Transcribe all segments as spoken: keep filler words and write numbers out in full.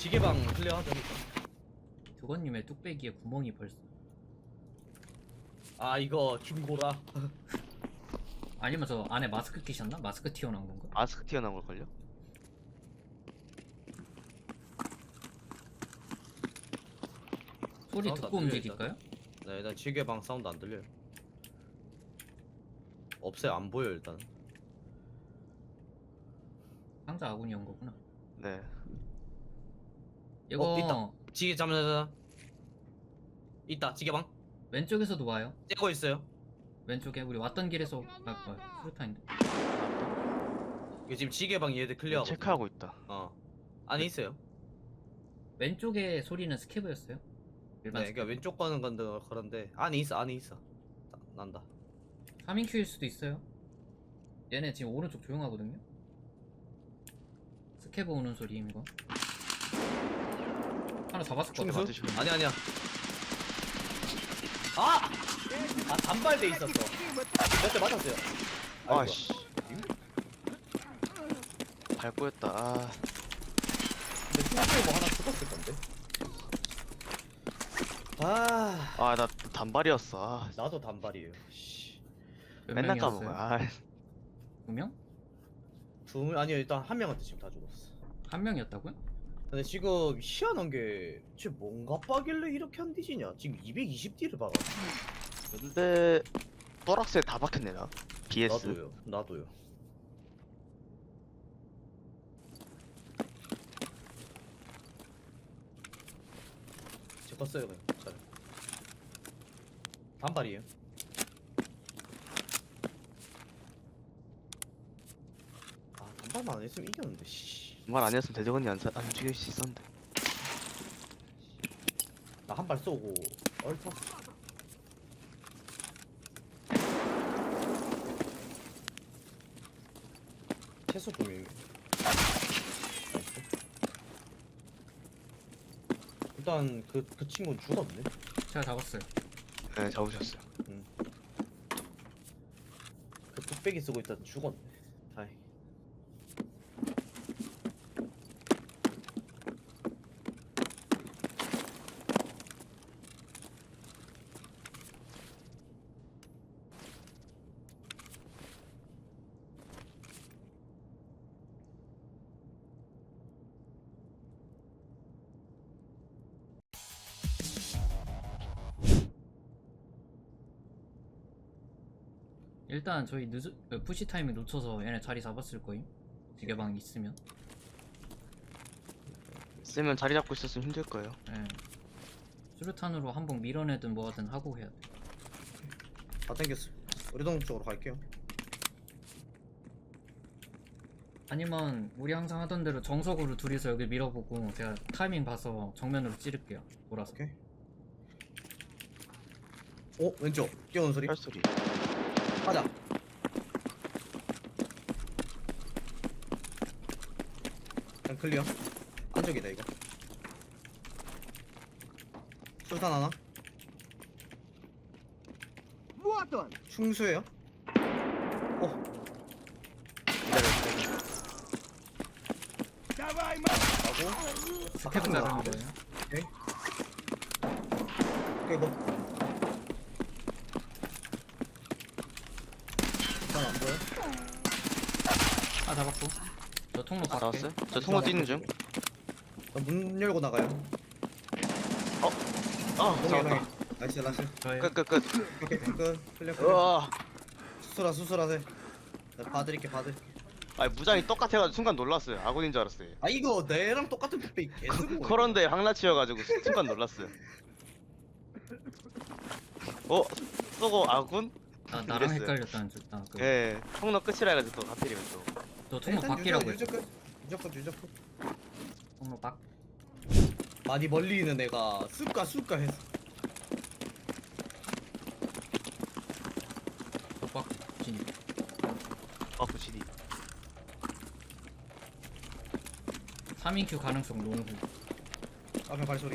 지게방 클리어하자. 두건님의 뚝배기에 구멍이 벌써. 아 이거 중고라. 아니면 저 안에 마스크 끼셨나? 마스크 튀어나온 건가? 마스크 튀어나온 걸걸요? 소리 사운드 듣고 안 들려요, 움직일까요? 네 일단 지게방 사운드 안 들려요. 없어요. 안 보여 일단. 상자 아군이 온 거구나. 네. 이거 어, 있다. 지게 잠자자. 있다. 지게방. 왼쪽에서도 와요. 째고 있어요. 왼쪽에 우리 왔던 길에서 갈 거야. 수류탄인데. 이거 지금 지게방 얘들 클리어하고. 체크하고 있다. 어. 안에 있어요. 왼쪽에 소리는 스케브였어요. 일반 네, 그러니까 왼쪽 가는 건데 그런데 안에 있어. 안에 있어. 나, 난다. 삼 인 큐일 수도 있어요. 얘네 지금 오른쪽 조용하거든요. 스케브 오는 소리임 이거. 하나 잡았을 것 같아. 충수? 맞으시면. 아니 아니야. 아! 아 단발돼 있었어. 몇 대 맞았어요. 아이고. 아씨. 밟고였다. 아. 근데 충수에 뭐 하나 죽었을 건데. 아, 아, 나 단발이었어. 아, 나도 단발이에요. 씨. 몇 맨날 명이었어요? 까먹어. 아, 두 명? 두 명, 아니요 일단 한 명한테 지금 다 죽었어. 한 명이었다고요? 근데 지금 희한한 게, 쟤 뭔가 빠길래 이렇게 안 뒤지냐? 지금 이백이십 딜을 박아. 근데 또락스에 다 박혔네 나. 비에스. 나도요, 나도요. 제 거 써요 그냥. 잘. 단발이에요. 아 단발만 안 했으면 이겼는데. 씨. 말 아니었으면 대적언니 안, 사- 안 죽일 수 있었는데. 나 한 발 쏘고 얼터. 채소 좀. 일단 그 그 친구는 죽었네. 제가 잡았어요. 네, 잡으셨어요. 그 뚝배기 쓰고 있다 죽었네. 다행. 일단 저희 늦 그 푸시 타이밍 놓쳐서 얘네 자리 잡았을 거임. 지게방 있으면. 쓰면 자리 잡고 있었으면 힘들 거예요. 예. 수류탄으로 한번 밀어내든 뭐하든 하고 해야 돼. 다 땡겼어. 우리동 쪽으로 갈게요. 아니면 우리 항상 하던 대로 정석으로 둘이서 여기 밀어보고 제가 타이밍 봐서 정면으로 찌를게요. 돌아서. 오케이. 오 왼쪽 뛰어오는 소리. 혈소리. 가자. 그냥 클리어. 안쪽이다 이거. 술탄 하나. Вот он! 충수예요. 어. 기다려. Давай, 하고. 스케브 아, 자르는 거예요. 오케이. 오케이 뭐. 일단 안 보여. 아 잡았고. 저 통로 다 밖에. 나왔어요? 저 통로 뛰는 중. 나 문 열고 나가요. 아, 동해 잡았다. 동해. 나이스 나이스. 저의 끝, 끝, 끝. 오케이 끝. 클리어 클리어. 으아. 수술아 수술하세. 내가 봐드릴게 봐드릴게. 아니, 무장이 똑같아가지고 순간 놀랐어요. 아군인 줄 알았어요. 아 이거 내랑 똑같은 뚝배기 개쓰고. 그런데 황라치여가지고 순간 놀랐어요. 어? 쏘고 아군? 나 나랑 이랬어요. 헷갈렸다는 줄. 나 그. 예, 통로 끝이라 해가지고 또 하필이면 또. 저 통로 밖이라고 했어. 유적끝 유적끝 유적끝. 통로 밖. 많이 멀리 있는 애가 쑥가 쑥가 했어. 저밖 진입. 아, 부시디. 삼 인 큐 가능성 농구. 앞에 발소리.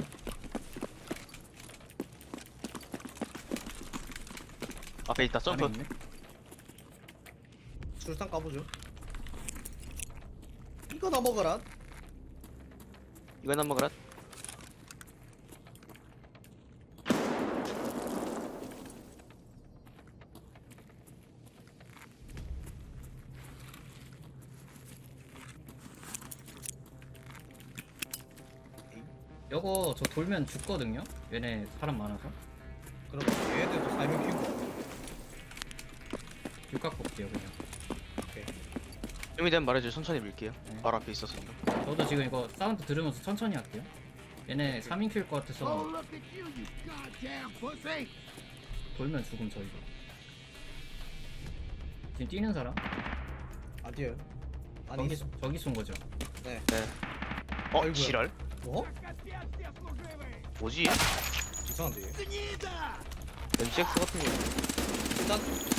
앞에 있다, 점프. 안에 있네? 술상 까보죠. 이거 나 먹어라. 이건 한번 그라. 이거 저 돌면 죽거든요. 얘네 사람 많아서. 그럼 얘네들도 살면 키운 거. 육각 볼게요 그냥. 좀이 되면 말해줘. 천천히 밀게요. 네. 바로 앞에 있어서. 저도 지금 이거 사운드 들으면서 천천히 할게요. 얘네 삼 인 킬 것 같아서 Oh, look at you, you goddamn pussy! 돌면 죽음 저희도. 지금 뛰는 사람? 아니에요. 아니 저기, 있어. 저기 쏜 거죠. 네. 어? 아이고야. 지랄? 뭐? 뭐지? 이상한데. 얘. 엠씨엑스 같은 거. 일단.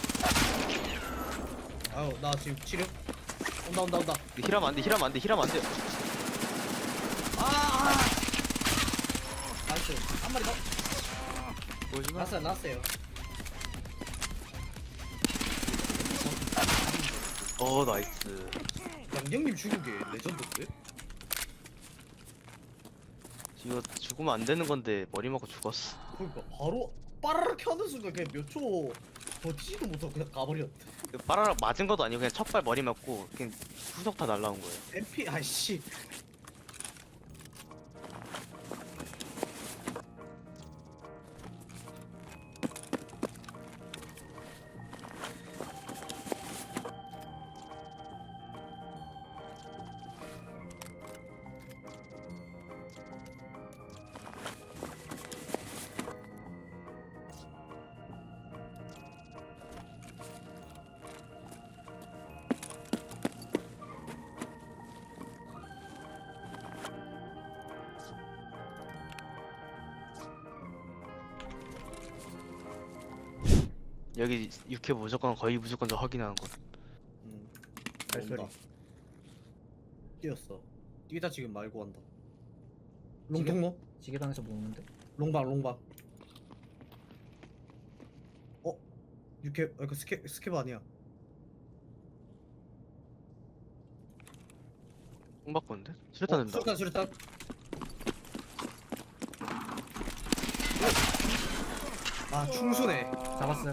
아유 나 지금 치료. 온다 온다 온다. 근데 힐하면 안 돼. 힐하면 안 돼. 힐하면 안 돼. 아. 아. 나이스. 한 마리 더. 보여주나? 났어요 났어요. 어 나이스. 양경님 죽은 게 레전드인데? 이거 죽으면 안 되는 건데 머리 맞고 죽었어. 그러니까 바로 빠르르 켜는 순간 그냥 몇 초 버티지도 못하고 그냥 가버렸대. 그 빠라락 맞은 것도 아니고 그냥 첫발 머리 맞고 그냥 후석 다 날라온 거예요. 엠피 아이씨. 여기 육 회 무조건 거의 무조건 저 확인하는 거. 음. 발소리. 온다. 뛰었어. 뛰다 지금 말고 한다. 롱통로? 지게방에서 모으는데? 롱방 롱방. 어? 육회 아, 그 스케 스케브 아니야. 뽕 바꾸는데? 수류탄 된다. 수류탄 수류탄. 아 충수네. 잡았어요.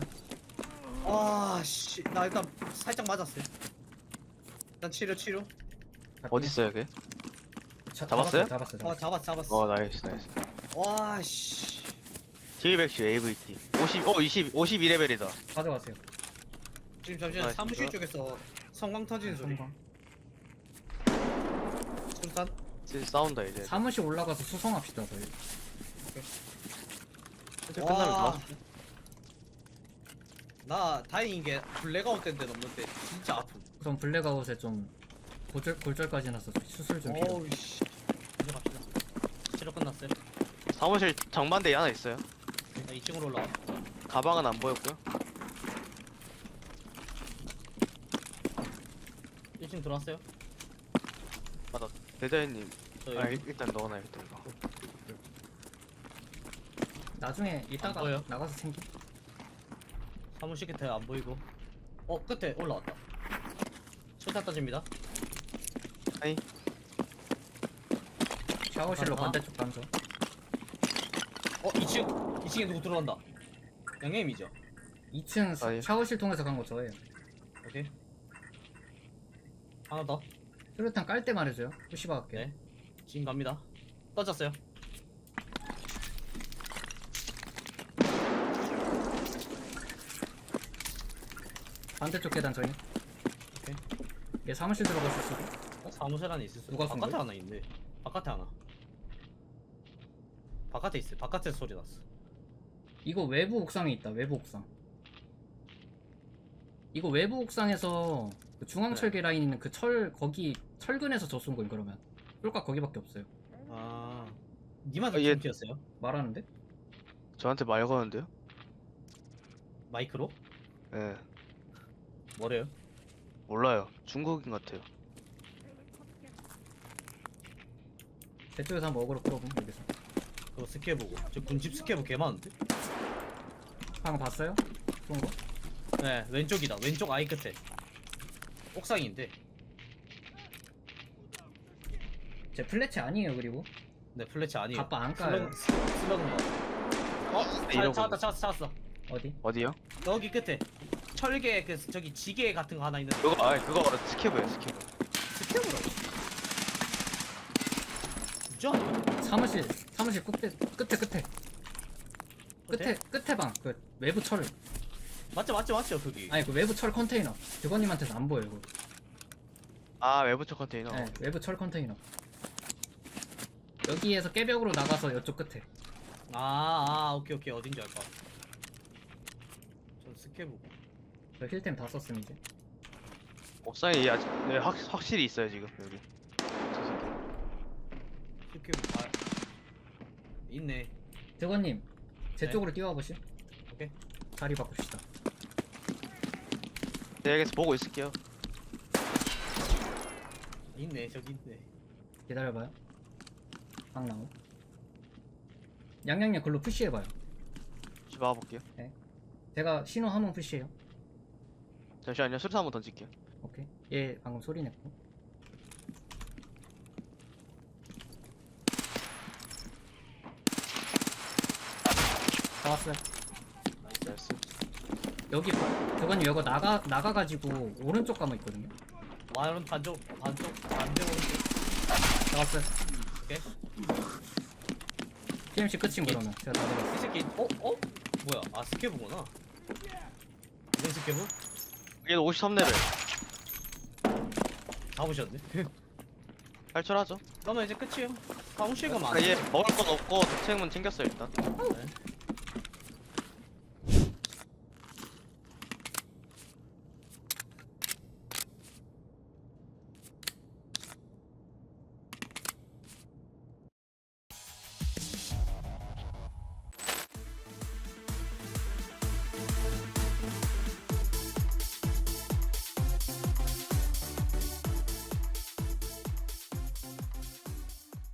아씨 나 일단 살짝 맞았어요. 일단 치료 치료. 어디 있어요, 걔? 자, 잡았어요? 잡았어요. 아 잡았어요. 잡았 잡았어. 어 나이스 나이스. 와씨. 딜백시 에이브이티. 오십, 어 이십, 오십이 레벨이다. 가져가세요. 지금 잠시만 아, 사무실 진짜? 쪽에서 성광 터지는 소리. 성광. 수류탄. 지금 싸운다 이제. 사무실 올라가서 수성합시다 저희. 이제 끝나면 와. 좋았어. 나 다행인 게 블랙아웃 때인데 넘는데 진짜 아픔. 우선 블랙아웃에 좀 골절 골절까지 났어. 수술 좀 필요. 어우 씨. 이제 갑시다. 치료 끝났어요. 사무실 정반대에 하나 있어요. 나 이 층으로 올라와. 가방은 안 보였고요. 일 층 들어왔어요? 맞아. 대자연님. 저 아 여기. 일- 일단 넣어놔야겠다 이거. 나중에 이따가 안 보여? 나가서 챙기. 사무실 끝에 안 보이고. 어 끝에 올라왔다. 수류탄 떠집니다. 아니 샤워실로 하나? 반대쪽 감죠. 어 이 층. 이 층에 누구 들어간다. 양념이죠. 이 층 아, 예. 샤워실 통해서 간 거 저예요. 오케이. 하나 더. 수류탄 깔 때 말해줘요. 푸시바 갈게요. 네. 지금 갑니다. 떠졌어요. 반대쪽 계단 저희. 오케이. 얘 사무실 들어갔을 수도. 어, 사무실 안에 있을 수. 누가 쏜 바깥에 거야? 하나 있네. 바깥에 하나. 바깥에 있어. 바깥에서 소리 났어. 이거 외부 옥상에 있다. 외부 옥상. 이거 외부 옥상에서 그 중앙철계 네. 라인 있는 그 철 거기 철근에서 저 쏜 거임 그러면. 쫄각 거기밖에 없어요. 아. 니만 아, 얘- 팀피였어요? 말하는데? 저한테 말 거는데요? 마이크로? 예. 뭐래요? 몰라요. 중국인 같아요. 제 쪽에서 한번 어그로 끌어봄 여기서. 그거 스케보고. 저 군집 스케보 개 많은데? 방금 봤어요? 쏜 거? 네, 왼쪽이다. 왼쪽 아이 끝에. 옥상인데. 제 플래치 아니에요 그리고 네 플래치 아니에요. 갑바 안 까요. 슬러그만. 어? 네, 자, 이러고 찾았다 찾았어 찾았어. 어디? 어디요? 여기 끝에 철개 그 저기 지게 같은 거 하나 있는데. 그거 아 그거 스케브예요 스케브. 스텝으로. 진짜? 사무실 사무실 끝에 끝에 끝에 끝에 끝에? 끝에 방 그 외부 철 맞죠 맞죠 맞죠 거기. 아니 그 외부 철 컨테이너 직원님한테는 안 보여요. 그거. 아 외부처 컨테이너. 네, 외부 철 컨테이너. 여기에서 깨벽으로 나가서 이쪽 끝에. 아, 아 오케이 오케이 어딘지 알 것 같아. 전 스케브. 저 힐템 다 썼음 이제. 옥상에 아직 네, 확 확실히 있어요 지금 여기. 저 새끼. 스케브 아 있네. 직원님 제 네. 쪽으로 뛰어와 보시. 오케이. 자리 바꿉시다. 네, 여기서 보고 있을게요. 있네 저기 있네. 기다려봐요. 방 나오. 양양양 글로 푸시해봐요. 좀 막아볼게요. 제가 신호 한번 푸시해요. 잠시만요. 수류탄 한번 던질게요. 오케이. 얘 방금 소리 냈고. 잡았어요. 나이스. 여기 저건 여기 나가 나가가지고 오른쪽 가면 있거든요. 와이런 반쪽 반쪽 반대 오른쪽. 잡았어요. 오케이. 티엠씨 끝인 그러면 제가 다 잡았어요. 이 새끼 어 어? 뭐야? 아 스케브구나. 이건 스케브? 얘도 오십삼 레벨. 잡으셨네. 탈출하죠. 그러면 이제 끝이에요. 사무실 가면 안 아, 얘 돼. 먹을 건 없고 대책문 챙겼어요 일단. 네.